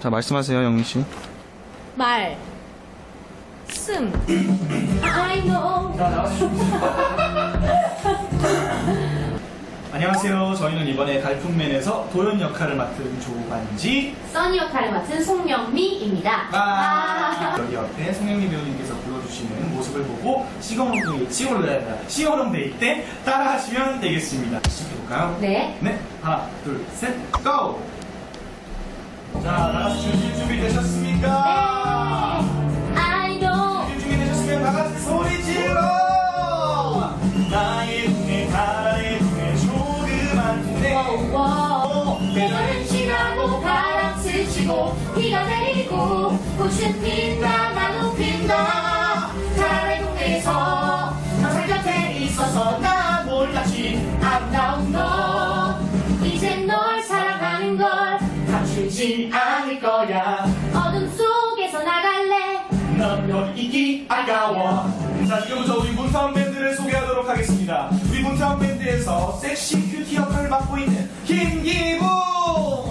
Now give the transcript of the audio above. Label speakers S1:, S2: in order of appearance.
S1: 자, 말씀하세요, 영희씨.
S2: 말, 씀. I know.
S3: 자, 안녕하세요. 저희는 이번에 갈품맨에서 도연 역할을 맡은 조반지.
S2: 써니 역할을 맡은 송영미입니다.
S3: 여기 옆에 송영미 배우님께서 불러주시는 모습을 보고 싱어롱데이 때 따라하시면 되겠습니다. 시작해볼까요?
S2: 네.
S3: 네. 하나, 둘, 셋, 고! 자, 나가서 주실 준비 되셨습니까?
S2: I know.
S3: 주실 준비 되셨으면 다 같이 소리 질러! 나의 눈에 달의 눈에 조그만 눈에
S2: 계절은 지나고 바람 스치고 비가 내리고 꽃은 핀다 나도 핀다 달의 동네에서 항상 곁에 있어서 나 몰랐지 아름다운 너 이젠 널 사랑하는 걸 감추지 않을 거야 어둠 속에서 나갈래
S3: 넌 여기 있기 아까워. 자, 지금부터 우리 문타운 밴드를 소개하도록 하겠습니다. 우리 문타운 밴드에서 섹시 큐티 역할을 맡고 있는 김기부!